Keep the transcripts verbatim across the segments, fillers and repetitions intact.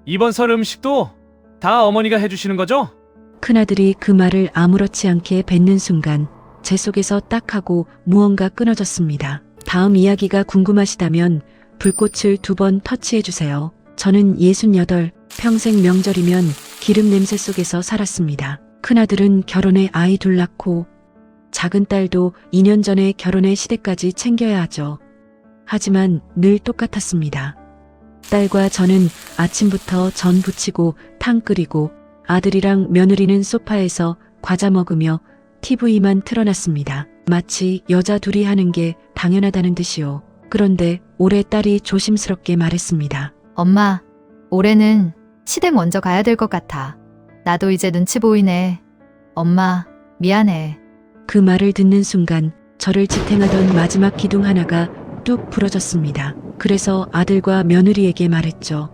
이번 설 음식도 다 어머니가 해주시는 거죠? 큰아들이 그 말을 아무렇지 않게 뱉는 순간 제 속에서 딱 하고 무언가 끊어졌습니다. 다음 이야기가 궁금하시다면 불꽃을 두 번 터치해주세요. 저는 예순여덟, 평생 명절이면 기름 냄새 속에서 살았습니다. 큰아들은 결혼해 아이 둘 낳고 작은 딸도 이 년 전에 결혼의 시대까지 챙겨야 하죠. 하지만 늘 똑같았습니다. 딸과 저는 아침부터 전 부치고 탕 끓이고 아들이랑 며느리는 소파에서 과자 먹으며 티비만 틀어놨습니다. 마치 여자 둘이 하는 게 당연하다는 듯이요. 그런데 올해 딸이 조심스럽게 말했습니다. 엄마, 올해는 시댁 먼저 가야 될 것 같아. 나도 이제 눈치 보이네. 엄마, 미안해. 그 말을 듣는 순간 저를 지탱하던 마지막 기둥 하나가 뚝 부러졌습니다. 그래서 아들과 며느리에게 말했죠.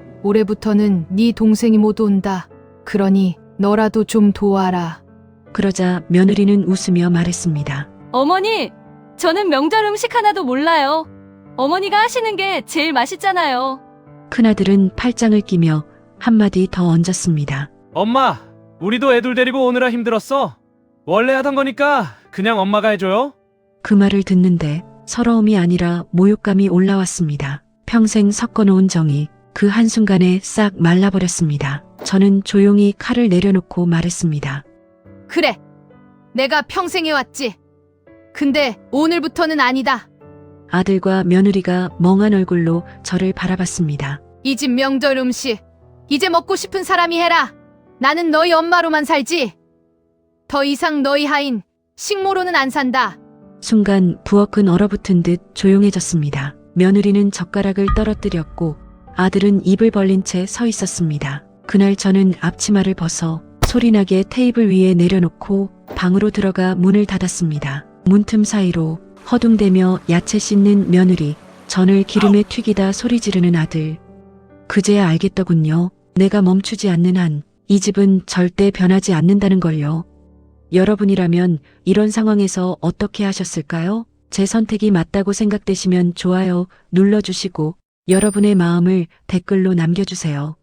올해부터는 네 동생이 못 온다. 그러니 너라도 좀 도와라. 그러자 며느리는 웃으며 말했습니다. 어머니, 저는 명절 음식 하나도 몰라요. 어머니가 하시는 게 제일 맛있잖아요. 큰아들은 팔짱을 끼며 한마디 더 얹었습니다. 엄마, 우리도 애들 데리고 오느라 힘들었어. 원래 하던 거니까 그냥 엄마가 해줘요. 그 말을 듣는데 서러움이 아니라 모욕감이 올라왔습니다. 평생 섞어놓은 정이 그 한순간에 싹 말라버렸습니다. 저는 조용히 칼을 내려놓고 말했습니다. 그래, 내가 평생 해왔지. 근데 오늘부터는 아니다. 아들과 며느리가 멍한 얼굴로 저를 바라봤습니다. 이 집 명절 음식 이제 먹고 싶은 사람이 해라. 나는 너희 엄마로만 살지. 더 이상 너희 하인 식모로는 안 산다. 순간 부엌은 얼어붙은 듯 조용해졌습니다. 며느리는 젓가락을 떨어뜨렸고 아들은 입을 벌린 채 서 있었습니다. 그날 저는 앞치마를 벗어 소리나게 테이블 위에 내려놓고 방으로 들어가 문을 닫았습니다. 문틈 사이로 허둥대며 야채 씻는 며느리, 전을 기름에 튀기다 소리 지르는 아들. 그제야 알겠더군요. 내가 멈추지 않는 한 이 집은 절대 변하지 않는다는 걸요. 여러분이라면 이런 상황에서 어떻게 하셨을까요? 제 선택이 맞다고 생각되시면 좋아요 눌러주시고 여러분의 마음을 댓글로 남겨주세요.